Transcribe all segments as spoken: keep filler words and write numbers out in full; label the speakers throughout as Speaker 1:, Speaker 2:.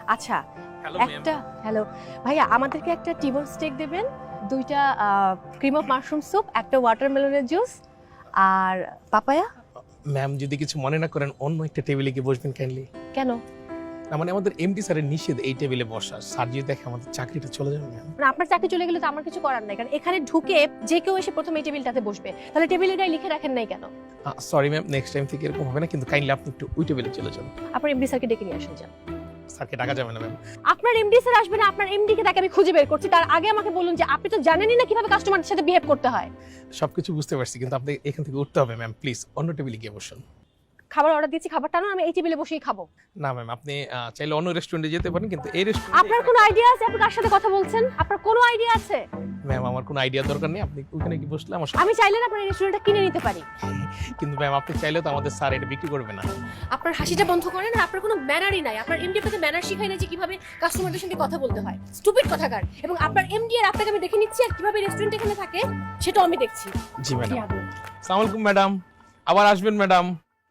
Speaker 1: আচ্ছা
Speaker 2: হ্যালো
Speaker 1: একটা হ্যালো ভাইয়া, আমাদেরকে একটা টিবন স্টেক দেবেন, দুইটা ক্রিম অফ মাশরুম স্যুপ, একটা ওয়াটারমেলনের জুস আর পাপায়া।
Speaker 2: ম্যাম, যদি কিছু মনে না করেন অন্য একটা টেবিলে গিয়ে বসবেন কাইন্ডলি।
Speaker 1: কেন?
Speaker 2: না মানে আমাদের এমডি স্যারের নিষেধ এই টেবিলে বসা। স্যার যদি দেখে আমাদের চাকরিটা চলে যাবে ম্যাম।
Speaker 1: মানে আপনার চাকরি চলে গেলে তো আমার কিছু করার নাই, কারণ এখানে ঢুকে যে কেউ এসে প্রথমে এই টেবিলটাতে বসবে, তাহলে টেবিলের গায়ে লিখে রাখেন নাই কেন?
Speaker 2: সরি ম্যাম, নেক্সট টাইম থেকে এরকম হবে না, কিন্তু কাইন্ডলি আপনি একটু ওই টেবিলে চলে যান।
Speaker 1: আপনার এমডি স্যারকে ডেকে নিয়ে আসেন যান।
Speaker 2: স্যারকে ডাকা যাবে না ম্যাম।
Speaker 1: আপনার এমডি স্যার আসবে না, আপনার এমডি কে তাকে আমি খুঁজে বের করছি, তার আগে আমাকে বলুন যে আপনি তো জানেনই না কিভাবে কাস্টমারের সাথে বিহেভ করতে হয়।
Speaker 2: সবকিছু বুঝতে পারছি, কিন্তু আপনি এখান থেকে উঠতে হবে ম্যাম, প্লিজ অন্য টেবিলে গিয়ে বসুন।
Speaker 1: খাবার অর্ডার দিয়েছি, খাবারটা না আমি এই টেবিলে বসেই খাবো।
Speaker 2: না ম্যাম, আপনি আহ, চাইলে অন্য রেস্টুরেন্টে যেতে পারেন, কিন্তু এই রেস্টুরেন্টে
Speaker 1: আপনার কোনো আইডিয়া আছে আপনি কার সাথে কথা বলছেন? আপনার কোনো আইডিয়া আছে?
Speaker 2: ম্যাম আমার কোনো আইডিয়া দরকার নেই, আপনি ওখানে গিয়ে বসলে আমার সব-
Speaker 1: আমি চাইলে না আপনার এই রেস্টুরেন্টটা কিনে নিতে পারি।
Speaker 2: কিন্তু ম্যাম আপনি চাইলে তো আমাদের স্যার এটা বিক্রি করবে না।
Speaker 1: আপনার হাসিটা বন্ধ করেন, আর আপনার কোনো ম্যানারই নাই। আপনার এমডি আপনাকে ম্যানার শিখায় না যে কিভাবে কাস্টমারদের সঙ্গে কথা বলতে হয়। স্টুপিড কথাকার। এবং আপনার এমডি আর আপনাকে আমি দেখে নিচ্ছি, আর কিভাবে রেস্টুরেন্ট এখানে থাকে সেটাও আমি দেখছি।
Speaker 2: জি ম্যাডাম। আসসালামু আলাইকুম ম্যাডাম, আবার আসবেন ম্যাডাম।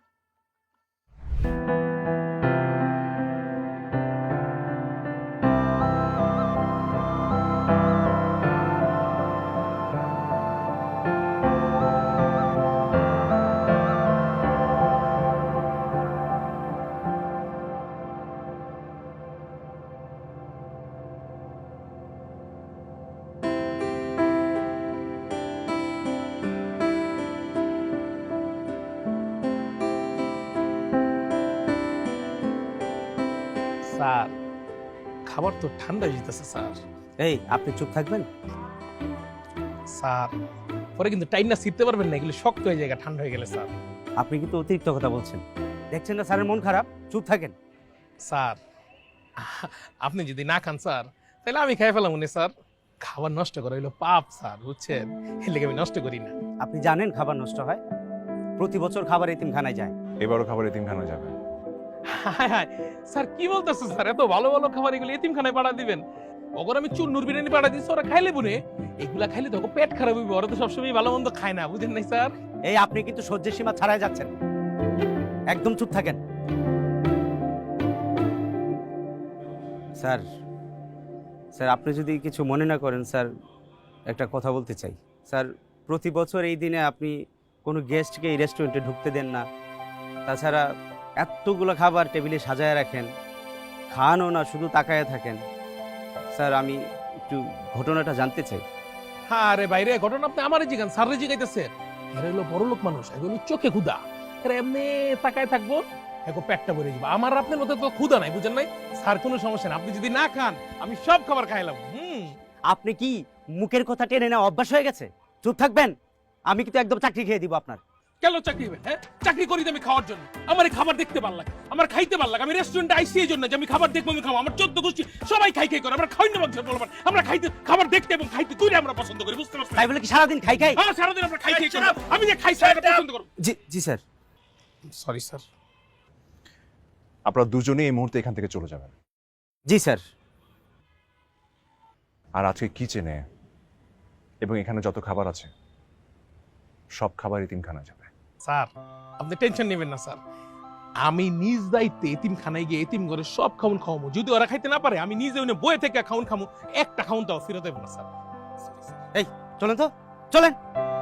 Speaker 2: স্যার খাবার তো ঠান্ডা যেতেছে স্যার।
Speaker 3: এই আপনি চুপ থাকবেন?
Speaker 2: স্যার পরে কিন্তু টাইম না ছিটতে পারবেন না, এগুলো শক্ত হয়ে যায় ঠান্ডা হয়ে গেলে স্যার।
Speaker 3: আপনি কিন্তু অতিরিক্ত কথা বলছেন। দেখছেন না স্যারের মন খারাপ? চুপ থাকেন।
Speaker 2: স্যার আপনি যদি না খান স্যার তাহলে আমি খাই ফেলাম উনি স্যার। খাবার নষ্ট করা হইলো পাপ স্যার, বুঝছেন? এর লেগে আমি নষ্ট করি না।
Speaker 3: আপনি জানেন খাবার নষ্ট হয়? প্রতি বছর খাবার এতিমখানায় যায়।
Speaker 4: এবারও খাবার এতিমখানা যাবে।
Speaker 2: হায় হায় স্যার কি বলতেছেন স্যার, এত ভালো ভালো খাবার এগুলো এতিমখানায় পাঠা দিবেন? ওগর আমি চুন্নুর বিরিয়ানি পাঠা দিচ্ছি, ওরা খাইলে বুনে এগুলা খাইলে তো ওকে পেট খারাপ হইবে, ওরা তো সবসময় ভালো মন্দ খায় না, বুঝেন নাই স্যার?
Speaker 3: এই আপনি কিন্তু সহ্যের সীমা ছাড়াই যাচ্ছেন। একদম চুপ থাকেন। স্যার স্যার আপনি যদি কিছু মনে না করেন স্যার, একটা কথা বলতে চাই। স্যার প্রতি বছর এই দিনে আপনি কোনো গেস্টকে এই রেস্টুরেন্টে ঢুকতে দেন না, তাছাড়া এতগুলো খাবার টেবিলে সাজায় রাখেন, খানও না, শুধু তাকায় থাকেন। স্যার আমি একটু ঘটনাটা জানতে চাই।
Speaker 2: হ্যাঁ রে বাইরে ঘটনা আপনি আমারে জিগান, স্যারে জিগাইতেছেন। এরা হলো বড় লোক মানুষ, এগুলো চোখে ক্ষুদা, এরা এমনি তাকায় থাকবো, এখন পেটটা ভরে যাবে। আমার আপনার মতো তো ক্ষুদা নাই, বুঝেন নাই স্যার? কোনো সমস্যা না, আপনি যদি না খান আমি সব খাবার খাইলাম। হুম
Speaker 3: আপনি কি মুখের কথা টেনে নেওয়া অভ্যাস হয়ে গেছে? চুপ থাকবেন, আমি কিন্তু একদম চাকরি খেয়ে দিব আপনার।
Speaker 2: কেন চাকরি হবেন? হ্যাঁ চাকরি করি তো আমি খাওয়ার জন্য, আমার এই খাবার দেখতে ভালো লাগে, আমার খাইতে ভালো লাগে। আমি রেস্টুরেন্টে আইসি এই জন্য যে আমি খাবার দেখবো, আমি খাবো। আমার চোদ্দ গোষ্ঠী সবাই খাই খাই করে, আমরা খাই না বলতে বলবেন, আমরা খাইতে খাবার দেখতে এবং খাইতে তুই আমরা পছন্দ করি, বুঝতে পারছেন?
Speaker 3: তাই বলে কি সারাদিন খাই খাই?
Speaker 2: হ্যাঁ সারাদিন আমরা খাই খাই করি, আমি যে খাই স্যার পছন্দ করব।
Speaker 3: জি জি স্যার।
Speaker 2: Sorry sir.
Speaker 4: আপনারা দুজনেই এই মুহূর্তে এখান থেকে চলে যাবেন।
Speaker 3: জি স্যার।
Speaker 4: আর আজকে কিচেনে এবং এখানে যত খাবার আছে সব খাবার এতিমখানা যাবে।
Speaker 2: স্যার আপনি টেনশন নেবেন না স্যার, আমি নিজ দায়িত্বে এতিমখানায় গিয়ে এতিম ঘরে সব খাউন খাওয়াবো। যদি ওরা খাইতে না পারে আমি নিজে ওনে বয়ে থেকে খাউন খামু, একটা খাউন তাও ফেরত দেবো না স্যার।
Speaker 3: এই চলেন তো, চলেন।